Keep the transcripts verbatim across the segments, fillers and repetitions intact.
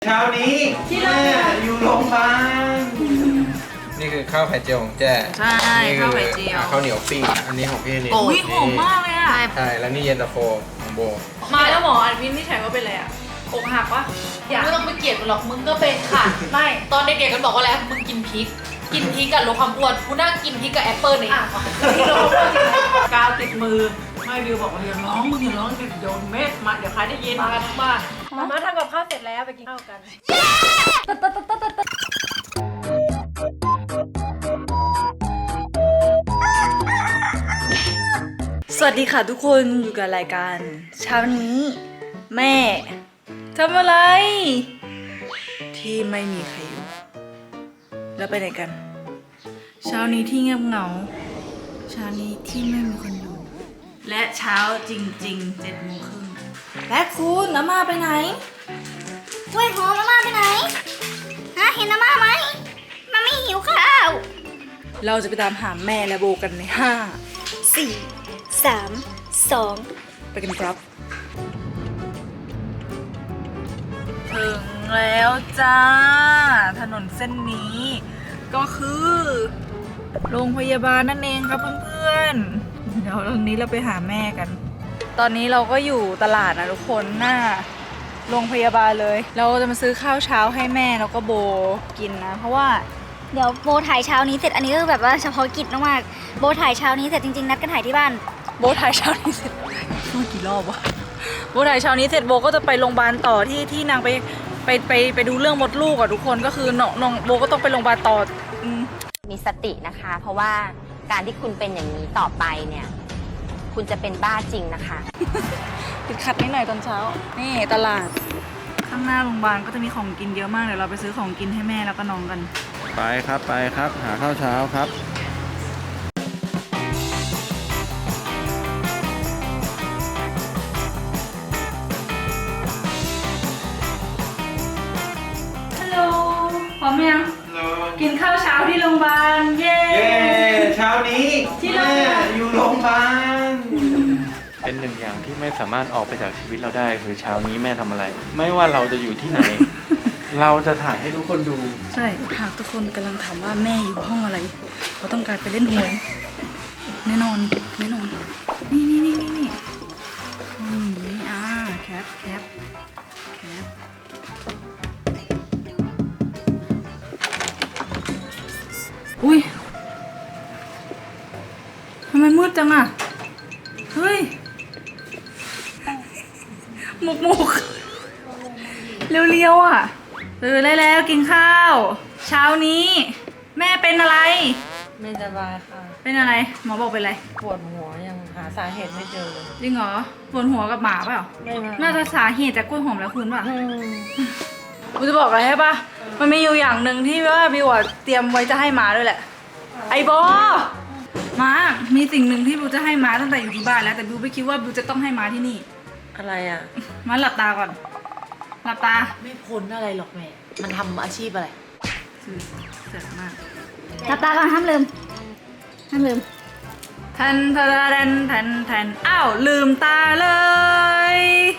เช้านี้ที่แม่อยู่โรงพยาบาลนี่คือข้าวไข่เจียวของแจ้ใช่ข้าวไข่เจียวข้าวเหนียวปิ้งอันนี้ของพี่นี่โอ้ยหอมมากเลยอ่ะใช่แล้วนี่เย็นตาโฟของโบมาแล้วหมออันวินนี่ใช่ว่าเป็นอะไรอ่ะอกหักวะอย่าไม่ต้องไปเกลียดมันหรอกมึงก็เป็นค่ะไม่ตอนเด็กๆกันบอกว่าแล้วมึงกินพริกกินพริกกับลดความอ้วนกูนั่งกินพริกกับแอปเปิ้ลในอ่ะพริกลดความอ้วนจริงไหมกาวติดมือไม่วิวบอกว่าอย่าร้องมึงอย่าร้องเดี๋ยวโดนเม็ดมาเดี๋ยวใครได้ยินมากันทั้งบ้านมาม่าทำกับข้าวเสร็จแล้วไปกินข้าวกันสวัสดีค่ะทุกคนอยู่กับรายการเช้านี้แม่ทำอะไรที่ไม่มีใครอยู่แล้วไปไหนกันเช้านี้ที่เงียบเหงาเช้านี้ที่ไม่มีคนอยู่และเช้าจริงๆเจ็ดโมงครึ่งและคุณน้ำมาไปไหนเว้ยหอมน้ำมาไปไหนฮะเห็นน้ำมาไหมมาไม่หิวข้าวเราจะไปตามหาแม่และโบกันในห้าสี่สามสองไปกันครับถึงแล้วจ้าถนนเส้นนี้ก็คือโรงพยาบาลนั่นเองครับเพื่อนๆเดี๋ยวตอนนี้เราไปหาแม่กันตอนนี้เราก็อยู่ตลาดนะทุกคนหน้าโรงพยาบาลเลยเราจะมาซื้อข้าวเช้าให้แม่แล้วก็โบกินนะเพราะว่าเดี๋ยวโบถ่ายเช้านี้เสร็จอันนี้ก็แบบว่าเฉพาะกิจมากๆโบถ่ายเช้านี้เสร็จจริงๆนัดกันถ่ายที่บ้านโบถ่ายเช้านี้เสร็จพูดกี่รอบวะโบถ่ายเช้านี้เสร็จโบก็จะไปโรงพยาบาลต่อที่ที่นางไปไปไปไปดูเรื่องมดลูกอ่ะทุกคนก็คือน้องน้องโบก็ต้องไปโรงพยาบาลต่อมีสตินะคะเพราะว่าการที่คุณเป็นอย่างนี้ต่อไปเนี่ยคุณจะเป็นบ้าจริงนะคะติดขัดนิดหน่อยตอนเช้านี่ตลาดข้างหน้าโรงพยาบาลก็จะมีของกินเยอะมากเดี๋ยวเราไปซื้อของกินให้แม่แล้วก็น้องกันไปครับไปครับหาข้าวเช้าครับฮัลโหลพร้อมยังกินข้าวเช้าที่โรงพยาบาลเย้เช้านี้ที่แม่อยู่โรงพยาบาลเป็นหนึ่งอย่างที่ไม่สามารถออกไปจากชีวิตเราได้คือเช้านี้แม่ทำอะไรไม่ว่าเราจะอยู่ที่ไหน เราจะถ่ายให้ทุกคนดูใช่หากทุกคนกำลังถามว่าแม่อยู่ห้องอะไรเขาต้องการไปเล่นหวยแน่นอนแน่นอนนี่นี่นี่นี่นี่นี่อ่าแคปแคปแคปอุ้ยทำไมมืดจังอ่ะเฮ้ยหมกหมกเรียวๆอ่ะตื่นได้แล้วกินข้าวเช้านี้แม่เป็นอะไรไม่สบายค่ะเป็นอะไรหมอบอกเป็นอะไรปวดหัวยังหาสาเหตุไม่เจอเลยจริงเหรอปวดหัวกับหมาเปล่าไม่มาน่าจะสาเหตุจากกล้วยหอมแล้วคุณป่ะกูจะบอกอะไรให้ป่ะมันมีอยู่อย่างหนึ่งที่ว่าบิวเตรียมไว้จะให้หมาด้วยแหละไอ้บอมามีสิ่งหนึ่งที่บิวจะให้หมาตั้งแต่อยู่ที่บ้านแล้วแต่บิวไม่คิดว่าบิวจะต้องให้หมาที่นี่อะไรอ่ะมาหลับตาก่อนหลับตาไม่พ้นอะไรหรอกแม่มันทำอาชีพอะไรเสร็จมากหลับตาก่อนห้ามลืมห้ามลืมทันทันทันทันอ้าวลืมตาเลย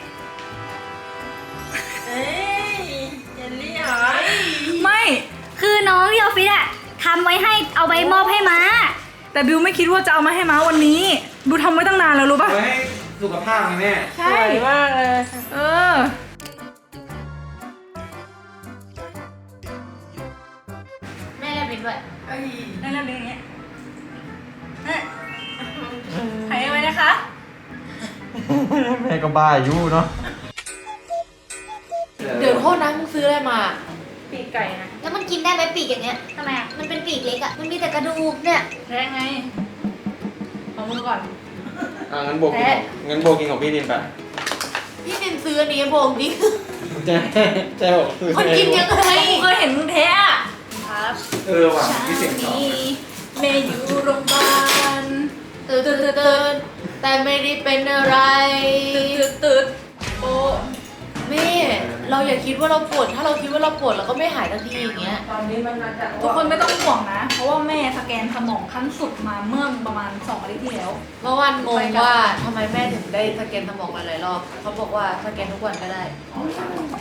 เอ้ยเจลลี่เหรอไม่คือน้องที่ออฟฟิศอะทำไว้ให้เอาไปมอบให้ม้าแต่บิวไม่คิดว่าจะเอามาให้ม้าวันนี้บิวทำไว้ตั้งนานแล้วรู้ป่ะไว้ให้สุขภาพไงแม่ใช่มากเลยเออแม่แลบลิ้นด้วยแม่แลบลิ้นอย่างเงี้ยหายไว้นะคะแม่ก็บ้าอยู่เนาะเดี๋ยวโทษนะมึงซื้ออะไรมาปีกไก่นะแล้วมันกินได้ไหมปีกอย่างเงี้ยทำไมอะมันเป็นปีกเล็กอะมันมีแต่กระดูกเนี่ยแท้ไงเอามือก่อนอ่างั้นโบกินงั้นโบกินของพี่นินไปพี่นินซื้ออันนี้โบงดิเจ๊เจ๊บอกซื้อคนกินยังไงกูเคยเห็นมึงแท้ครับเออว่ะพี่เสียงสองแม่อยู่โรงพยาบาลตื่นตื่นตื่นแต่ไม่ได้เป็นอะไรตื่นตื่นโอ้แม่เราอย่าคิดว่าเราปวดถ้าเราคิดว่าเราปวดเราก็ไม่หายทันทีอย่างเงี้ยตอนนี้มันมาจากทุกคนไม่ต้องห่วงนะเพราะว่าแม่สแกนสมองขั้นสุดมาเมื่อประมาณสองอาทิตย์ที่แล้วเมื่อวันงงว่าทำไมแม่ถึงได้สแกนสมองหลายๆรอบเขาบอกว่าสแกนทุกวันก็ได้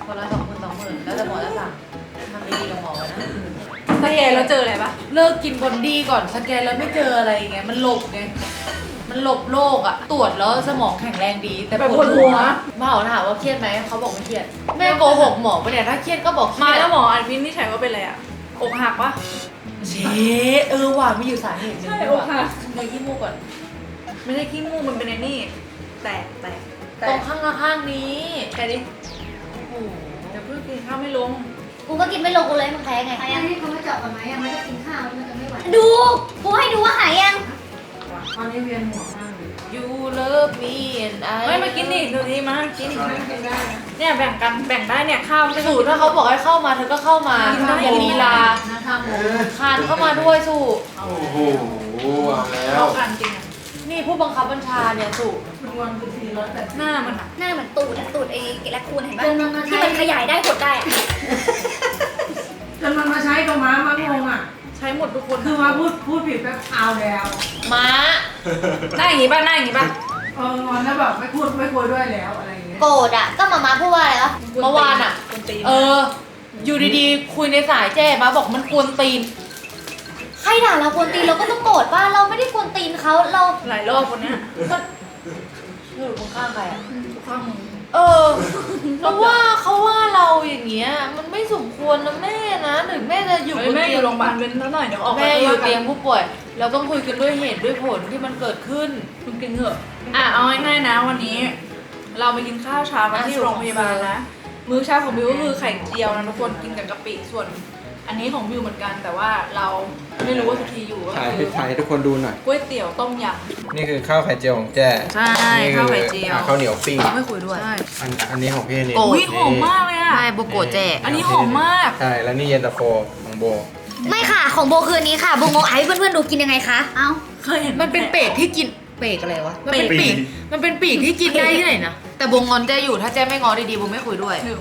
คนละสองหมื่นสองหมื่นแล้วแต่หมอจะสั่งทำดีๆกับหมอนะสแกนแล้วเจออะไรปะเลิกกินบอนดี้ก่อนสแกนแล้วไม่เจออะไรไงมันหลบไงมันหลบโรคอะตรวจแล้วสมองแข็งแรงดี แต่ปวดหัวมาหมอถามว่าเครียดไหมเขาบอกไม่เครียดแม่โกหกหมอไปเนี่ยถ้าเครียดก็บอกเครีมายดแล้วหมออันวินิจฉัยว่าเป็นอะไรอ่ะอกหักปะเชเออว่ะมีอยู่สาเหตุหนึงใช่ด้วยอกว่ะหักเลยขี้มูกก่อนไม่ใช่ขี้มูกมันเป็นไอ้นี่ แตกแตกแตตรงกข้างละข้างนี้แกดิโอ้โหเดี๋ยวเพิ่งกินข้าวไม่ลงกูก็กินไม่ลงกูเลยมึงแพ้ไงอันนี้เขาไม่เจาะก่อนไหมยังไม่ได้กินข้าวมันจะไม่ไหวดูกูให้ดูว่าหายยังตอนนี้เวียนหัวมากเลยยูเลิฟมีแอนไอไม่มากินดิดูดีมากินดิเนี่ยแบ่งกันแบ่งได้เนี่ยข้าวไม่สูตรถ้าเขาบอกให้เข้ามาเธอก็เข้ามากินได้อย่าลีลานะทำหมูคานเข้ามาด้วยสูโอ้โหเอาแล้เข้าว กันจริงอ่ะนี่ผู้บังคับบัญชาเนี่ยสูคุณวันคุณทีร้อยแปดหน้ามันอ่ะหน้าเหมือนตูดอะตูดไอ้แลคคูนเห็นปะจนมันมาที่ใช้มันขยายได้หดได้อะจนมันมาใช้กับม้ามางงอ่ะใช้หมดทุกคนคือมาพูดพูดผิดแป๊บเอาแล้วม้าหน้าอย่างงี้ป่ะหน้าอย่างงี้ป่ะเอองอนแล้วแบบไม่พูดไม่คุยด้วยแล้วอะไรอย่างเงี้ยโกรธอะก็มามาพูดว่าอะไรวะเมื่อวานอ่ะคนตีนเออ อยู่ดีๆ คุยในสายแจ้มาบอกมันกวนตีนใครด่าเรากวนตีนเราก็ต้องโกรธว่าเราไม่ได้กวนตีนเขาเราหลายรอบคนเนี้ยก็อยู่ข้างๆใครอ่ะทุกข้างมึงเออเพราะว่าเขาว่าเราอย่างเงี้ย มันไม่สมควรนะแม่นะถึงแม่จะอยู่เฮ้บยนแม่เตีอยงยู่โรงพยาบาลเว้นแล้วหน่อยเดี๋ยวออกแม่อยู่เตียงกูผู้ป่วย เราต้องคุยกันด้วยเหตุด้วยผลที่มันเกิดขึ้นมึงกินเถอะอ่ะเอาง่ายๆนะวันนี้ เราไปกินข้าวเช้ากันที่โรงพยาบาลนะมื้อเช้าของบิวก็คือไข่เจียวนะทุกคนกินกับกะปิส่วน อันนี้ของบิวเหมือนกันแต่ว่าเราไม่รู้ว่าสุธีอยู่ก็ถ่ายคือถ่ายให้ทุกคนดูหน่อยก๋วยเตี๋ยวต้มยนี่คือข้าวไข่เจียวของแจ้ใช่นี่คือข้าวไข่เจียวอ่ะข้าวเหนียวปิ้งไม่คุยด้วยำใช่อันอันนี้ของพี่นี่โอ้อุ้ยหอมมากเลยอ่ะใช่โบโกะแจกอันนี้หอมมากใช่ แล้วนี่เย็นตาโฟของโบไม่ค่ะของโบคืนนี้ค่ะโบโงไอ้เพื่อนๆดูกินยังไงคะเอ้าเคยเห็นมันเป็นเป็ดที่กินเป็ดอะไรวะ มันเป็นเป็ปีดก มันเป็นปีกที่กินได้ที่ไหนนะ แต่บงงอนแจ้อยู่ถ้าแจ้ไม่งอดีๆบงไม่คุยด้วยหนึ่ง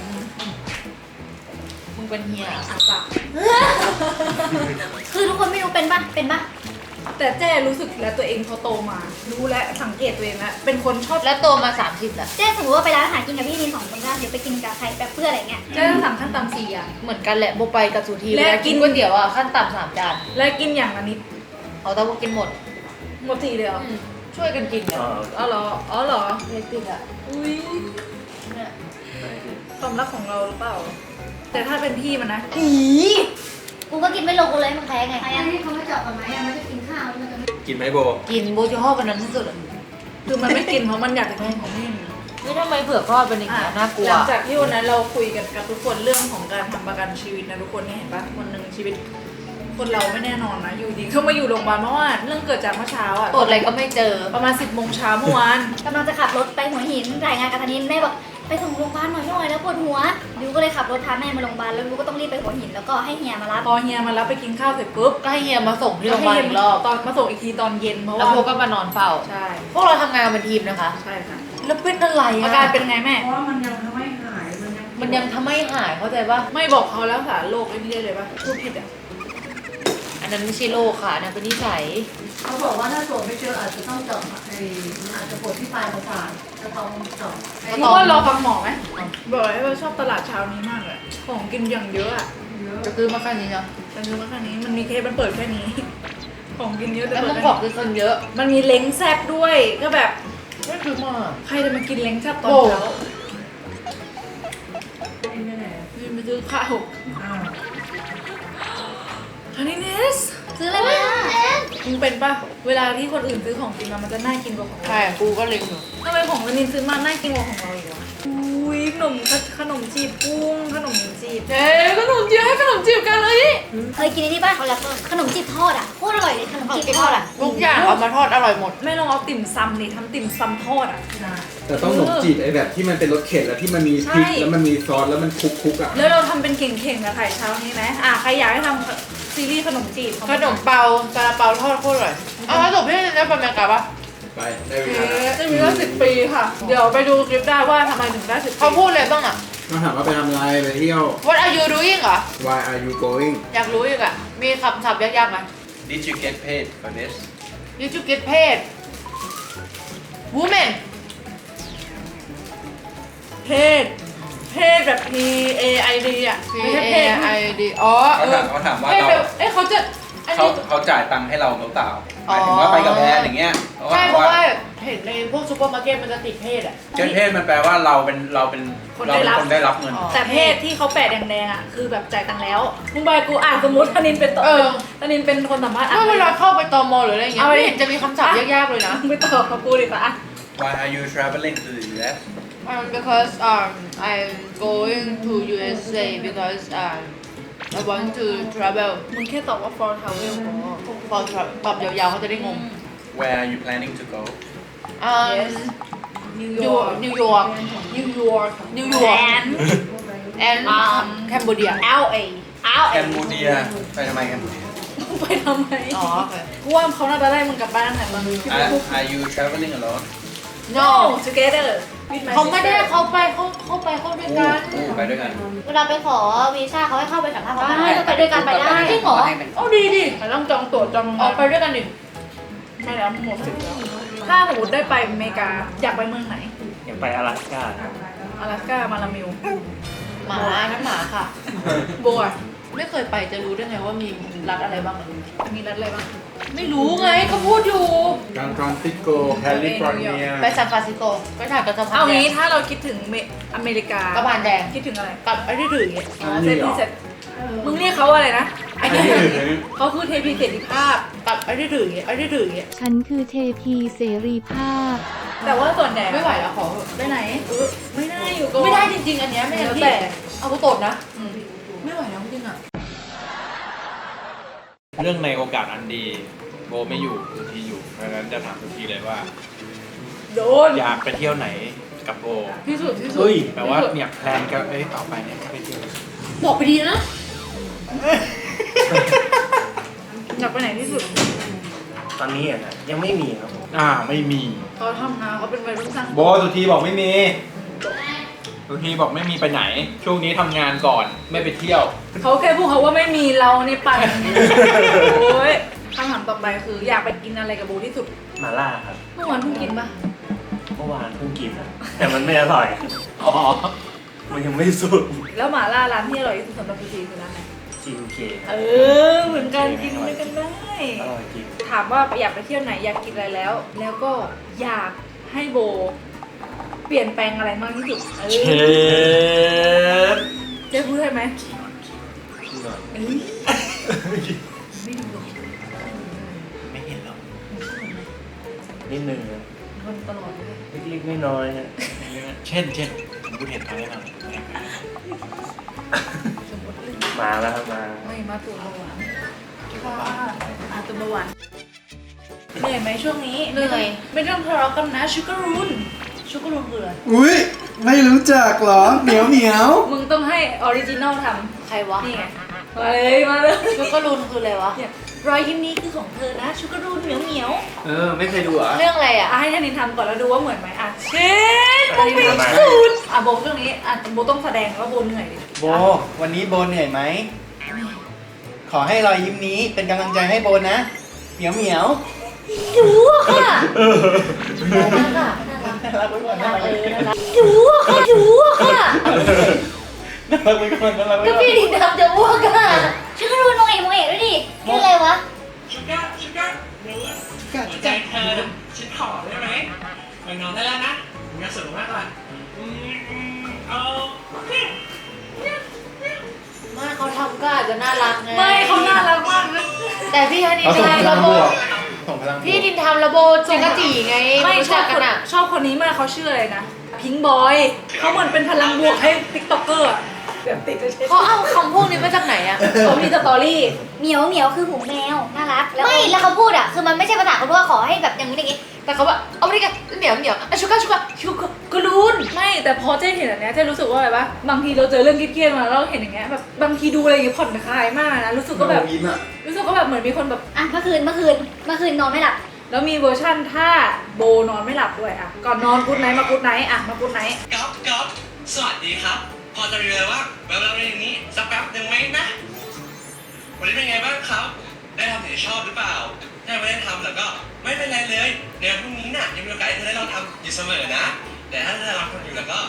มึงเป็นเฮียอ่ะปะคือทุกคนไม่รู้เป็นปะเป็นปะแต่แจ้รู้สึกแล้วตัวเองพอโตมา รู้และสังเกตตัวเองแล้วเป็นคนชอบแล้วโตมาสามสิบแล้วเจ๊สมมติว่าไปร้านอาหารกินกับพี่นินสองคนนะเดี๋ยวไปกินกับใครแบบเพื่อนอะไรเงี้ยแจ้ต้องสั่งขั้นต่ำสี่อย่างเหมือนกันแหละโบไปกับสุธีและและกิกินนก๋วยเตี๋ยวอ่ะขั้นต่ำสามจานและกินอย่างละนิดเอาแต่ว่ากินหมดหมดทีเลยเหรออืมช่วยกันกินเนี่ยอ๋อเหรออ๋อเหรอเล็กติกอ่ะอุ้ยเนี่ยความรักของเราหรือเปล่า แต่ถ้าเป็นพี่มันนะอีกูก็กินไม่ลงกูเลยมึงแพ้ไงอันนี้เขาไม่เจาะก่อนไหมยังไม่ได้กินข้าวมันจะไม่กินไหมโบกินโบจะห่อกันนั้นที่สุดอะคือมันไม่กินเพราะมันอยากจะกินของพี่นี่ทำไมเผือกทอดเป็นอย่างนี้ยน่ากลัวหลังจากที่วันนั้นเราคุยกันกับทุกคนเรื่องของการทำประกันชีวิตนะทุกคนนี่เห็นปะวันหนึ่งชีวิต คนเราไม่แน่นอนนะอยู่ดีเขามาอยู่โรงพยาบาลเมื่อวานเรื่องเกิดจากเมื่อเช้าอะตรวจอะไรก็ไม่เจอประมาณสิบโมงเช้าเมื่อวานกำลังจะขับรถไปหัวหินรายงานกับธนินแม่บอกไปส่งโรงพยาบาลหน่อยหน่อยแล้วปวดหัวบิวก็เลยขับรถพาแม่มาโรงพยาบาลแล้วบิวก็ต้องรีบไปหัวหินแล้วก็ให้เฮียมารับพอเฮียมารับไปกินข้าวเสร็จปุ๊บก็ให้เฮียมาส่งที่โรงพยาบาลอีกรอบตอนมาส่งอีกทีตอนเย็นเพราะแล้วว่าโบก็มานอนเฝ้าใช่พวกเราทำงานเป็นทีมนะคะใช่ค่ะแล้วเป็นอะไรอาอะการเป็นไงแม่เพราะว่ามันยังทำให้หายมันยังมันยังทำให้หายเข้าใจปะไม่บอกเขาแล้วสารโรคไอ้นี่ได้เลยปะพูดผิดอ่ะอันนั้นไม่ใช่โรคค่ะอันนั้นเป็นนิสัยเขาบอกว่าถ้าตรวจไม่เจออาจจะต้องเจาะไอ้มันอาจจะปวดที่ปลายประสาทจะต้องเจาะไอ้เพราะว่ารอฟังหมอไหมบอกเลยว่าชอบตลาดเช้านี้มากเลยของกินอย่างเยอะอ่ะจะซื้อมาแค่นี้เนาะแต่คือว่าแค่นี้มันมีเคสมันเปิดแค่นี้ ของกินเยอะแต่แล้วเปิมึดงแค่บอกนี้คือคนเยอะมันมีเล้งแซบด้วยก็แบบไม่ซื้อมาใครจะมากินเล้งแซบตอนโอ้เช้ากินไม่ได้ยืนไปซื้อข้าวอ้าวฮันนี่เนสซื้ออะไรมามึงเป็นปะเวลาที่คนอื่นซื้อของกินมามันจะน่ากินกว่าของเราใช่กูก็เล็งอยู่ทำไมของวันนี้ซื้อมาน่ากินกว่าของเราอีกวะอุ้ยขนมขนมจีบกุ้งขนมจีบเอ๊ขนมจีบให้ขนมจีบกันเลยเคยกินอันนี้ป่ะขนมจีบทอดอ่ะโคตรอร่อยเลยขนมจีบทอดอ่ะทุกอย่างเอามาทอดอร่อยหมดไม่ลองเอาติ่มซำนี่ทำติ่มซำทอดอ่ะแต่ต้องขนมจีบไอ้แบบที่มันเป็นรสเข็นแล้วที่มันมีพริกใช่แล้วมันมีซอสแล้วมันคลุกคุกๆอ่ะแล้วเราทำเป็นเข่งๆกับไข่เช้านี้ไหมอ่ะใครอยากให้ทำซีรีส์ขนมจีบขนมเปาซาลาเปาทอดโคตรอร่อยเอาแล้วจบพี่จะไปอเมริกาปะไปได้เวลาแล้วจะมีว่าสิบปีค่ะ เดี๋ยวไปดูคลิปได้ว่าทำไมถึงได้สิบปีเขาพูดอะไรบ้างอะมาถามว่าไปทำอะไรไปเที่ยว What are you doing เหรอ Why are you going อยากรู้อีกอะมีคำศัพท์ยากๆไหม Did you get paid for this Did you get paid Woman เพศเพศแบบ P A I D อ่ะ P ไม่ใช่ A เพศ I D อ๋อเขาถามเขาถามว่าเพศเราแบบเอ้ยเขาจะอันเขานี้เขาจ่ายตังค์ให้เราหรือเปล่าหอ๋อมายถึงว่าไปกับแบรนด์อย่างเงี้ยใช่เพราะว่าเห็นในพวกซูเปอร์มาร์เก็ตมันจะติดเพศอ่ะเจ้าเพศมันแปลว่าเราเป็นเราเป็นคนเราได้เป็นรับคนได้รับเงินอ๋อแต่เพศที่เขาแปะแดงๆอ่ะคือแบบจ่ายตังค์แล้วมึงไปกูอ่านสมมติธนินเป็นตัวเออธนินเป็นคนสัมภาษณ์อ่ะถ้าเวลาเข้าไปตมหรืออะไรอย่างเงี้ยเอาไปไม่เห็นจะมีคำศัพท์ยากๆเลยนะมึงไปตอบกับกูดิปะอ่ะ Why are you traveling to the ยู เอส um, because um I'm going to U S A because um I want to travel มึงแค่ตอบว่า for travel พอพอตอบยาวๆเขาจะได้งง Where are you planning to go อ่า Yes นิวนิยว อร์กนิวยอร์กนิวยอร์กนิวยอร์ก and แอนอืมแคนเบเดีย L A L แค A มบูเดียไปทำไมแคมบูเดียไปทำไมอ๋อโอเคกูว่าเขาน่าจะได้มึงกลับบ้านแต่ตอนนี้ Are are you traveling alone No together with my เขาไม่ได้ sister เขาไปเขาเขาไปเขาด้วยกันอู้ไปด้วยกันเวลาไปขอวีซ่าเขาให้เข้าไปสัมภาษณ์เขาได้ก็ไปด้วยกันไปได้จริงเหรอเอาดีดิแต่ต้องจองตั๋วจองออกไปด้วยกันดิไม่แล้วหมดสิทธิ์แล้วถ้าสมมติได้ไปอเมริกาอยากไปเมืองไหนอยากไปอลาสก้า阿拉斯ก้ามาลามิวหมานั่นหมาค่ะโบอ่ะไม่เคยไปจะรู้ได้ไงว่ามีรัฐอะไรบ้างอะมีรัฐอะไรบ้างไม่รู้ไงก็พูดอยู่ซานฟรานซิสโกแคลิฟอร์เนียไปซานฟรานซิสโกไปถ่ายกับสะพานเอาแดงี้งถ้าเราคิดถึงเมอเมริกาสะพานแดงคิดถึงอะไรกับไอ้ที่ถืออย่างเงี้ยอ๋อเซพีเสร็จมึงเรียกเขาอะไรนะไอ้ที่เขาคือเทพีเสรีภาพกับไอ้ที่ถืออย่างเงี้ยไอ้ที่ถืออย่างเงี้ยฉันคือเทพีเสรีภาพแต่ว่าส่วนใหญ่ไม่ไหวแล้วขอเถอะไปไหนเออไม่ได้อยู่ก่อนไม่ได้จริงๆอันเนี้ยไม่งั้นแล้วพี่แต่เอากูตดนะอืมไม่ไหวแล้วจริงๆอ่ะเรื่องในโอกาสอันดีโบไม่อยู่สุธีอยู่เพราะฉะนั้นจะถามสุธีเลยว่าโดนอยากไปเที่ยวไหนกับโบที่สุดที่สุดเฮ้ยแปลว่าเนี่ยแพลนกันเอ้ยต่อไปเนี่ยไปเที่ยวบอกไปดีนะอยากไปไหนที่สุดตอนนี้อ่ะนะยังไม่มีครับอ่าไม่มีเขาทำงานเขาเป็นวัยรุ่นสร้างโบสุธีบอกไม่มีสุธีบอกไม่มีไปไหน ช่วงนี้ทำงานก่อนไม่ไปเที่ยวเขาแค่พูดเขาว่าไม่มีเราในปั่นโอ้ยคำถามต่อไปคืออยากไปกินอะไรกับโบที่สุดมาล่าครับเมื่อวานเพิ่งกินปะเมื่อวานเพิ่งกินอะแต่มันไม่อร่อยอ๋อมันยังไม่สุดแล้วหม่าล่าร้านที่อร่อยที่สุดสำหรับสุธีคือร้านไหนชิมเคเออเหมือนกันกินด้วยกันได้อร่อยจริงถามว่าอยากไปเที่ยวไหนอยากกินอะไรแล้ว แล้วก็อยากให้โบ เปลี่ยนแปลงอะไรมากที่สุดเอเชอฟเจ๊พูดได้ไหมพี่หน่อยเอ้ยไม่ดูหรอกไม่เห็นหรอกนิดนึงนะมันตลอดเลยเล็กๆน้อยๆฮะเช่นเช่นผมพูดเห็นอะไรบ้างสมมติเรื่องมาแล้วครับมาไม่มาตัวเบาหวานค่ะมาตัวเบาหวานเหนื่อยไหมช่วงนี้เหนื่อยไม่ต้องทะเลาะกันนะชูการุนชูการุนคืออะไรอุ้ยไม่รู้จักเหรอเหนียวเหนียวมึงต้องให้ออริจินอลทใครวะำนี่ไงมาเลยมาเลยชุกกระลุนคืออะไรวะเนี่ยรอยยิ้มนี้คือของเธอนะชูการุนเหมียวเหมียวเออไม่เคยดูเหรอ่ะเรื่องอะไรอ่ะอ่ะให้ธนินทำก่อนแล้วดูว่าเหมือนไหมอ่ะเช่นอันนี้ทำไมอ่ะโบเรื่องนี้อ่ะโบต้องแสดงว่าโบเหนื่อยดิโบ วันนี้โบเหนื่อยไหม ขอให้รอยยิ้มนี้เป็นกำลังใจให้โบนะ เหมียวเหมียวดูอะค่ะน่ารักน่ารักไว้ก่อนน่ารักไว้ก่อนดูอะค่ะดูอะค่ะน่ารักไว้ก่อนน่ารักไว้ก็ก่อนพี่ดินทำจะอ้วกอ่ะช่วยกันดูโมเอะโมเอะด้วยดิคืออะไรวะกัดกัดใจเธอฉันขอได้ไหมไปนอนได้แล้วนะผมจะสูงมากกว่าเอาไม่เขาทำก็อาจจะน่ารักไงไม่เขาน่ารักมากนะแต่พี่ฮันนี่เอาส่งพทำลัระงโบบวกส่งพลังบวกพี่ดินทำระโบเจกจีไงไม่รู้ชอจับกคกันนอ่ะชอบคนนี้มากเขาชื่ออะไรนะพิงบอยเขาเหมือนเป็นพลังบวกให้ติ๊กต็อกเกอร์อะแบบติดจะใช้เขาเอาคำพวกนี้มาจากไหนอ่ะเขามีสตอรี่เหมียวเหมียวคือหูแมว น่ารัก ไม่ แล้วเขาพูดอ่ะ คือมันไม่ใช่ภาษาเขาด้วยขอให้แบบอย่างนี้อย่างนี้แต่เขาว่าเอาไปดิกันเหนียวเหนียวอ่ะชุกกะชุกกะชุกกระลุนไม่แต่พอเจ๊เห็นแบบเนี้ยเจ๊รู้สึกว่าอะไรปะบางทีเราเจอเรื่องเครียดๆมาแล้วเราเห็นอย่างเงี้ยแบบบางทีดูอะไรอย่างเงี้ยผ่อนคลายมากนะรู้สึกก็แบบยิ้มอ่ะรู้สึกก็แบบเหมือนมีคนแบบอ่ะ เมื่อคืน เมื่อคืน เมื่อคืนนอนไม่หลับแล้วมีเวอร์ชั่นถ้าโบนอนไม่หลับด้วยอ่ะก่อนนอนกูดไนท์มากูดไนท์อ่ะมากูดไนท์ก๊อฟก๊อฟสวัสดีครับ พอจะมีเลยว่าแววๆอย่างนี้สักแป๊บหนึ่งไหมนะ วันนี้เป็นไงบ้างครับ ได้ทำสิ่งที่ชอบหรือเปล่า ถ้าไม่ได้ทำแล้วก็ไม่เป็นไรเลยในวันพรุ่งนี้น่ะยังมีโอกาสให้เธอได้ลองทำอยู่เสมอนะ แต่ถ้าเธอลองทำอยู่แล้วก็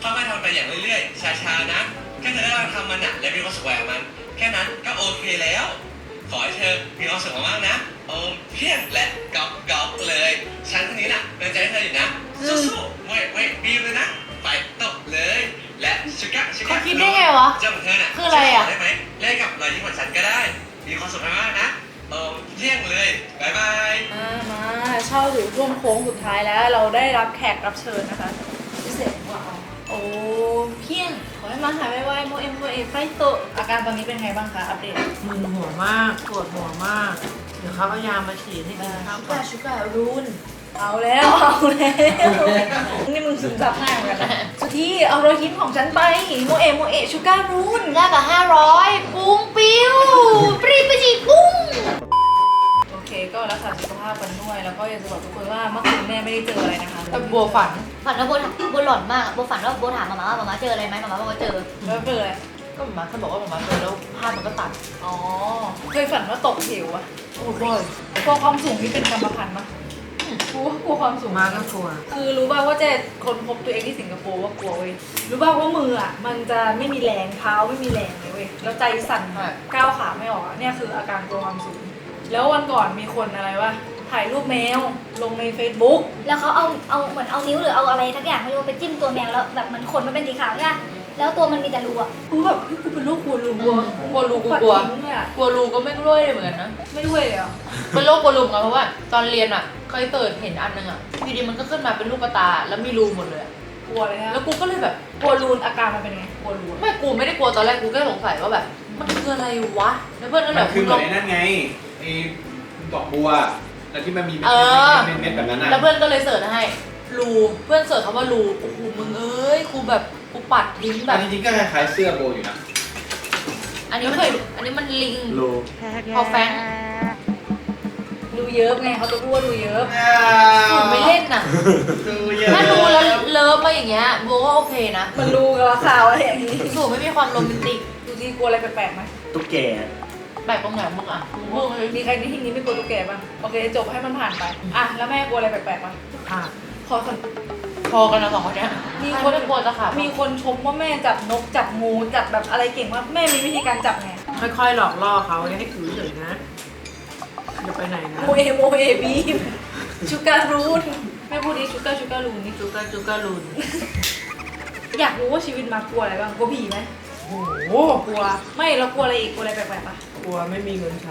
ค่อยๆทำไปอย่างเรื่อยๆช้าๆนะแค่เธอได้ลองทำมันอะและมีความสุขกับมันแค่นั้นก็โอเคแล้วขอให้เธอมีความสุขมากๆนะโอมเพียงและก๊อกก๊อกเลยฉันคนนี้น่ะเป็นใจให้เธออยู่นะสู้ๆไม่ไม่บีมเลยนะไปตบเลยและชิกะชิกะเขาคิดได้ไงวะเจ้าของเธอน่ะคืออะไรอะได้ไหมเล่นกับรอยยิ้มของฉันก็ได้มีความสุขมากๆนะโอมเพียงเลยบายบายมามาเช่าถึงช่วงโค้งสุดท้ายแล้วเราได้รับแขกรับเชิญนะคะพิเศษกว่าโอ้เพียงขอให้มาหายไวๆโมเอ็มโมเอไฟโตอาการตอนนี้เป็นไงบ้างคะอัปเดตมึนหัวมากปวดหัวมาก เดี๋ยวเขาเอายามาฉีดให้กินข้าวชูก่อกาน ชูการูนเอาแล้วเอาแล้วนี่มึงซึมซับง่ายเหมือนกันนะสุธีเอารอยยิ้มของฉันไปโมเอะโมเอะชูการ์รูนแลกกับห้าร้อยปุ้งปิ้วปรีไปจีปุ้งโอเคก็รักษาสุขภาพกันด้วยแล้วก็อยากจะบอกทุกคนว่าเมื่อคืนแม่ไม่ได้เจออะไรนะคะแต่บัวฝันฝันว่าโบถามโบหลอนมากอะโบฝันว่าโบถามมาม่าว่ามาม่าเจออะไรไหมมาม่าบอกว่าเจอแล้วเจออะไรก็หมาเขาบอกว่าหมาเจอแล้วภาพมันก็ตัดอ๋อเคยฝันว่าตกเหวอะโอ้โหกลัวความสูงนี่เป็นกรรมพันธุ์ปะกลัวกลัวความสูงมาก็กลัวคือรู้ป่าวว่าเจ๊คนพบตัวเองที่สิงคโปร์ว่ากลัวเว้ยรู้ป่าวว่ามืออ่ะมันจะไม่มีแรงเท้าไม่มีแรงเลยเว้ยแล้วใจสั่นก้าวขาไม่ออกอะเนี่ยคืออาการกลัวความสูงแล้ววันก่อนมีคนอะไรวะถ่ายรูปแมวลงใน Facebook แล้วเขาเอาเอาเหมือนเอานิ้วหรือเอาอะไรทักอย่างไม่รู้ไปจิ้มตัวแมวแล้วแบบเหมือนขนมันเป็นสีขาวใช่ไหมแล้วตัวมันมีแต่รูอะกูแบบเฮ้ยกูเป็นโรคกลัวรูกลัวกลัวรูกูกลัวปัดทิ้งเลยอะกลัวรูก็ไม่รู้เลยเหมือนกันนะไม่ด้วยเลยเหรอเป็นโรคกลัวรูไงเพราะว่าตอนเรียนอ่ะเคยเปิดเห็นอันนึงอ่ะอยู่ดีมันก็ขึ้นมาเป็นลูกตาแล้วมีรูหมดเลยอะกลัวเลยฮะแล้วกูก็เลยแบบกลัวรูนอาการมันเป็นไงกลัวรูนไม่กูไม่ได้กลัวตอนแรกกูแค่สงสัยว่าแบบมันคืออะไรวะแล้วเพื่อนก็แบมับนคือเหมืลอนองไอ้นั่นไงไอ้ดอกบัวแล้วที่มันมีเม็ดเออเม็ดเม็ดแบบนั้นนะแล้วเพื่อนก็เลยเสิร์ชให้รูเพื่อนเสิร์ชคำว่ารูโอ้โหมึงเอ้ยกูแบบกูปัดทิ้งแบอับนจริงๆก็คล้ายๆเสื้อโบอยู่นะอันนี้มันอันนี้มันลิงโลพอแฟงรูเยอะไงเขาจะพูดว่ารูเยอะสูตรไม่เล่นน่ะดูเยอะถ้ารูแล้วเลิฟมาอย่างเงี้ยโบก็โอเคนะมันรูกับข่าวอะไรอย่างนี้สูตรไม่มีความโรแมนติกดูที่กลัวอะไรแปลกๆไหมตุ๊กแกแปลกตรงไหนมึงอ่ะมึงเลยมีใครในที่นี้ไม่กลัวตุ๊กแกบ้างโอเคจบให้มันผ่านไปอ่ะแล้วแม่กลัวอะไรแปลกๆบ้างค่ะขอสัมพอกันนะสองคนเนี้ยมีมีคคน นไม่กลัวจะขาดมีคนชมว่าแม่จับนกจับงูจับแบบอะไรเก่งมากแม่มีวิธีการจับไงค่อยๆหลอกล่อเขาอย่าให้ถือเฉยนะอย่าไปไหนนะโมเอโมเอบีมชูการูนแม่พูดดิชูการชูการูนนี่จุกาจุกาลุนอยากรู้ว่าชีวิตมากลัวอะไรบ้างกลัวผีไหมโอ้โหกลัวไม่แล้วกลัวอะไรอีกกลัวอะไรแปลกๆปะกลัวไม่มีเงินใช้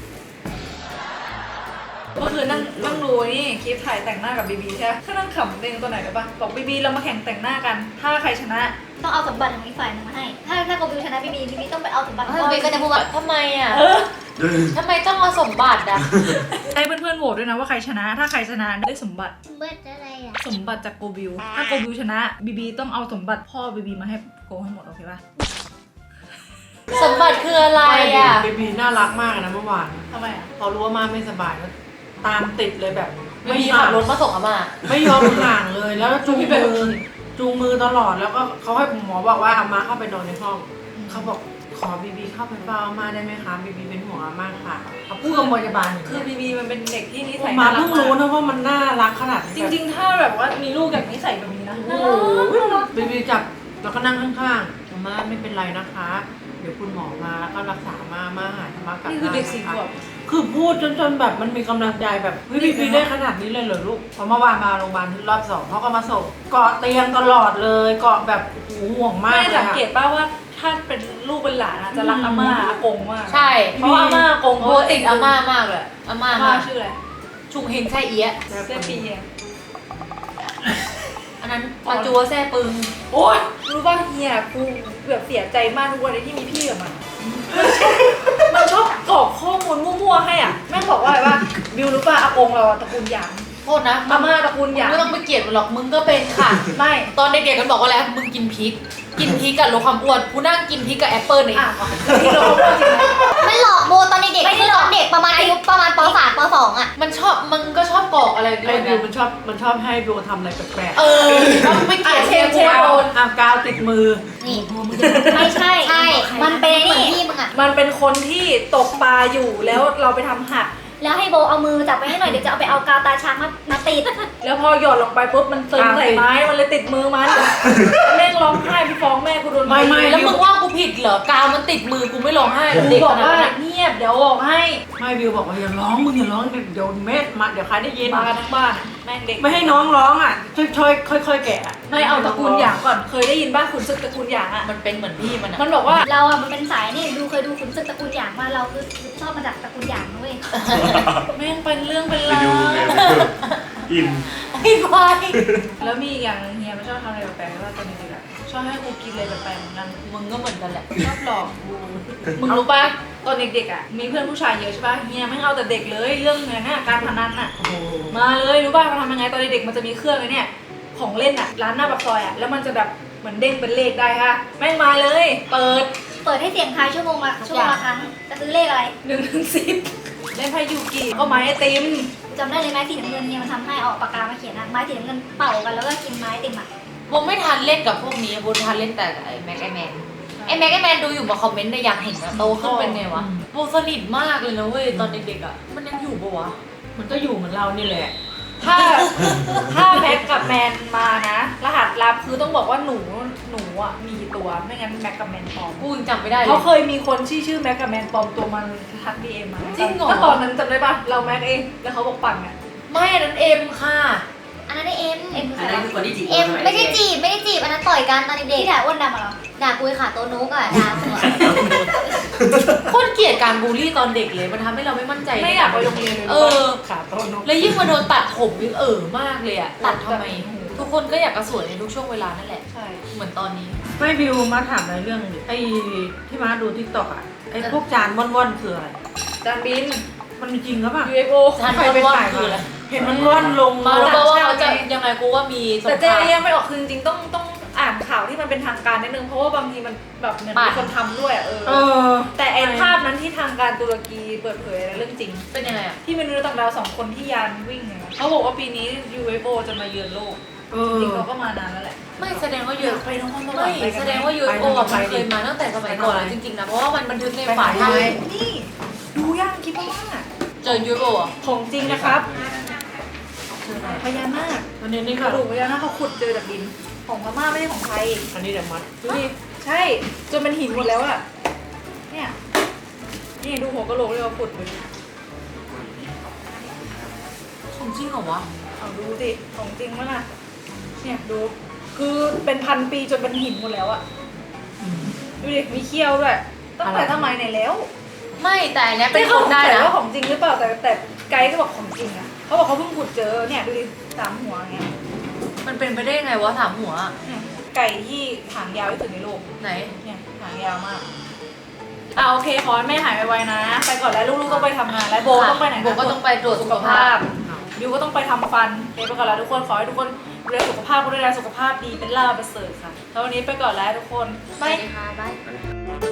เมื่อคืนนั่งนั่งดูนี่คลิปถ่ายแต่งหน้ากับบีบีใช่ไหมก็นั่งขำเองตัวไหนได้ปะบอกบีบีเรามาแข่งแต่งหน้ากัน ถ้าใครชนะต้องเอาสมบัติของอีกฝ่ายหนึงมาให้ ถ้าถ้าโกบิวชนะพี่บีพี่บีต้องไปเอาสมบัติของเฮ้ยก็จะพูดว่าทำไมอ่ะเออทำไมต้องเอาสมบัติอ่ะให้เพื่อนๆโหวตด้วยนะว่าใครชนะ ถ้าใครชนะได้สมบัติเบิร์ดอะไรอ่ะสมบัติจากโกบิว ถ้าโกบิวชนะบีบีต้องเอาสมบัติพ่อบีบีมาให้โกให้หมดโอเคปะสมบัติคืออะไรอ่ะเบบีน่ารักมากนะเมื่อวานทำไมอ่ะพอรู้ว่ามาไม่สบายก็ตามติดเลยแบบไม่มีขับรถมาส่งอาม่าไม่ยอมห่างเลย แล้วจูงมือจูงมือตลอดแล้วก็เขาให้หมอบอกว่าอาม่าเข้าไปนอนในห้องเขาบอกขอบีบีเข้าไปเฝ้าอาม่าได้ไหมคะบีบีเป็นห่วงอาม่าค่ะเขาพูดกับพยาบาลอย่างคือเงี้ยบีบีมันเป็นเด็กที่นิสัยมาน่ารักเพิ่งรู้นะว่ามันน่ารักขนาดนี้จริงๆ ถ้าแบบว่ามีลูกแบบนิสัยแบบนี้นะโอ้น่ารักโหบีบีจับแล้วก็นั่งข้างๆอาม่าไม่เป็นไรนะคะ เดี๋ยวคุณหมอมาแล้วก็รักษามามาหายมากลับนี่คือเด็กสี่ขวบคือพูดจนจนแบบมันมีกำลังใจแบบเฮ้ยบีบีได้ขนาดนี้เลยเหรอลูกพอเมื่อวานมาโรงพยาบาลรอบสองเขาก็มาส่งเกาะเตียงตลอดเลยเกาะแบบโอ้โหห่วงมากแม่เลยสังค่ะเกตป่าว่าถ้าเป็นลูกเป็นหลานอะจะรักอาม่าอากงมากใช่เพราะว่าอาม่าอากงโบติดอาม่ามากเลยอาม่าอาม่ามากชื่ออะไรชุงเฮงไส้เอี้ยะเสื้อปีเองอันนั้นปาจัวแซ่ปึงโอ๊ยรู้ป่ะเฮียกูแบบเสียใจมากทุกวันเลยที่มีพี่กับมันมันชอบกรอกข้อมูลมั่วๆให้อ่ะแม่งบอกว่าอะไรว่าบิวรู้ป่ะอากงเราอะตระกูลหยางโทษนะอาม่าตระกูลหยางไม่ต้องไปเกลียดมันหรอกมึงก็เป็นค่ะไม่ตอนเด็กๆกันบอกว่าอะไรมึงกินพริก กินพริกกับลดความอ้วนกูนั่งกินพริกกับแอปเปิ้ลในอ่ะแล้วพี่เราเขาพูดจริงไหมมันหลอกโบตอนเด็กๆคือตอนเด็กประมาณอายุประมาณป สาม ป สองอ่ะมันชอบมึงก็ชอบกรอกอะไรไอ้ด้วยบิวนะมันชอบมันชอบให้บิวทำอะไรแปลกๆเออแล้วไม่เกลียดเชฟเชฟโดนอ่ะกาวติดมือนี่ ไม่ใช่ ใช่ มันเป็นไอ้นี่พี่มึงอ่ะมันเป็นคนที่ตกปลาอยู่แล้วเราไปทำหักแล้วให้โบเอามือจับไปให้หน่อยเดี๋ยวจะเอาไปเอากาวตาช้างมามาติดแล้วพอหยอดลงไปปุ๊บมันซึมใส่ไม้มันเลยติดมือมันแม่งร้องไห้พี่ฟ้องแม่กูโดนไม่ไม่แล้วมึงว่ากูผิดเหรอกาวมันติดมือกูไม่ร้องไห้เหรอกูเด็กบอกขนาดว่านั้นเงียบเดี๋ยวบอกให้ไม่บิวบอกว่าอย่าร้องมึงอย่าร้องเดี๋ยวแม่มาเดี๋ยวใครได้ยินมากันทั้งบ้านแม่งเด็กไม่ให้น้องร้องอ่ะช่วยๆค่อยๆแกะอะไม่เอาตระกูลหยางก่อนเคยได้ยินบ้างขุนศึกตระกูลหยางอ่ะมันเป็นเหมือนพี่มันอะมันบอกว่าเราอ่ะมันเป็นสายนี่ดูเคยดูขุนศึกตระกูลหยางมาเราคือชอบมาจากตระกูลหยางนะเว้ยแม่งเป็นเรื่องเป็นไปราวดูไงอินไอ้ควายแล้วมีอีกอย่างหนึงเฮียมันชอบทำอะไรแปลกๆว่าตอนเด็กๆอะชอบให้กูกินอะไรแปลกๆเหมือนกันมึงก็เหมือนกันแหละชอบหลอกกูมึงรู้ป่ะตอนเด็กๆอ่ะมีเพื่อนผู้ชายเยอะใช่ป่ะเฮียไม่งเอาแต่เด็กเลยเรื่องเงินน่ะการพนันอ่ะมาเลยรู้ป่ะมันทำยังไงตอนเด็กๆมันจะมีเครื่องไอ้เนี่ยของเล่นอ่ะร้านหน้าปากซอยอ่ะแล้วมันจะแบบเหมือนเด้งเป็นเลขได้ค่ะแม่งมาเลย เปิดเปิดให้เสียงทายชั่วโมงละชั่วโมงละครั้งจะซื้อเลขอะไรหนึ่งถึงสิบเล่นไพ่ยูกิก็ไม้ไอติมจำได้เลยไม้สีน้ำเงินเนี่ยมันทำให้เอาปากกามาเขียนนะไม้สีน้ำเงินเป่ากันแล้วก็กินไม้ติมอ่ะโบไม่ทันเล่นกับพวกนี้โบทันเล่นแต่ไอ้แม็กไอแมนไอ้แม็กไอแมนดูอยู่มาคอมเมนต์ในอยากเห็นนะโตขึ้นเป็นไงวะโบสนิทมากเลยนะเว้ยตอนเด็กๆอ่ะมันยังอยู่ปะวะมันก็อยู่เหมือนเรานี่แหละถ้าถ้าแม็กกับแมนมานะ รหัสลับคือต้องบอกว่าหนูหนูอ่ะมีตัวไม่งั้นแม็กกับแมนปลอมกูยังจำไม่ได้เลยเขาเคยมีคนชื่อชื่อแม็กกับแมนปลอมตัวมันทักดีเอ็มมาจริงเหรอก็ตอนนั้นจำได้ปะเราแม็กเองแล้วเขาบอกปั่นอ่ะไม่อันนั้นเอ็มค่ะอันนั้นได้เอ็มเอ็มคืออันใครนั้นคือคนที่จีบเอ็มไม่ได้จีบไม่ได้จีบอันนั้นต่อยกันตอนเด็กๆที่ด่าอ้วนดำอะเหรอด่ากุยขาโตนุกอะด่าหัวโคตรเกลียดการบูลลี่ตอนเด็กเลยมันทำให้เราไม่มั่นใจไม่อยากไปโรงเรียนเลยเออขาโตนกแล้วยิ่งมาโดนตัดผมยิ่งเออมากเลยอะตัดทำไม ทุกคนก็อยากกระสวยในทุกช่วงเวลานั่นแหละใช่เหมือนตอนนี้ไม่บิวมาถามในเรื่องดิไอ้ที่มาดูทิกตอกอ่ะไอ้พวกจานว่อนๆคืออะไรจานบินมันมีจริงหรือเปล่ายู เอฟ โอจานใครไปว่อนถ่ายๆคืออะไรเห็นมันว่อนลงมามารู้ป่าวว่าเขาจะใช่ยังไงกูว่ามีสงแต่คเจ๊รามยังไม่ออกคือจริงๆต้องต้องอ่านข่าวที่มันเป็นทางการนิดนึงเพราะว่าบางทีมันแบบเหมือนมีคนทำด้วยอะเอเอออแต่ไอ้ภาพนั้นที่ทางการตุรกีเปิดเผยนะเรื่องจริงเป็นยังไงอะที่มนุษย์ต่างดาวสองคนที่ยานวิ่งเนี่ยเขาบอกว่าปีนี้ ยู เอฟ โอ จะมาเยือนโลกเอจอริงๆเขาก็มานานแล้วแหละไม่แสดงว่าเยอะไปน้องคนไม่แสดงว่า ยู เอฟ โอ อะมันเคยมาตั้งแต่สมัยก่อนแล้วจริงๆนะเพราะว่ามันบันทึกในฝาท่อนี่ดูย่างคิดว่าเจอ ยู เอฟ โอ อะของจริงนะครับพญานาคอันนี้นี่กค่ะระดูกพญานาคเขาขุดเจอจากดินของพม่าไม่ใช่ของไทยอันนี้เดี๋ยวมัดดูดิใช่จนเป็นหินหมดแล้วอะเนี่ยนี่ดูหัวกะโหลกเลยว่าขุดเลยของจริงเหรอวะเอาดูสิของจริงมั้ยล่ะเนี่ยดูคือเป็นพันปีจนเป็นหินหมดแล้วอะดูดิมีเขี้ยวด้วยตั้งแต่สมัยไหนแล้วไม่แต่อันเนี้ยเป็นไม่คเขานได้ได้นะว่าของจริงหรือเปล่าแต่แต่ไกด์ก็บอกของจริงอะเขาบอกเขาเพิ่งขุดเจอเนี่ยดูดิสามหัวอย่างเงี้ยมันเป็นไปได้ไงวะถามหัวอะเนี่ยไก่ที่หางยาวที่สุดในโลกไหนเนี่ยหางยาวมากอ่ะโอเคขอให้แม่หายไวๆนะไปก่อนแล้วลูกๆต้องไปทำงานแล้วโบต้องไปไหนนะโบก็ต้องไปตรวจสุขภาพบิวก็ต้องไปทำฟันโอเคไปก่อนแล้วทุกคนขอให้ทุกคนดูแลสุขภาพก็ดูแลสุขภาพดีเป็นล่าประเสริฐค่ะแล้ววันนี้ไปก่อนแล้วทุกคนไปบายค่ะบาย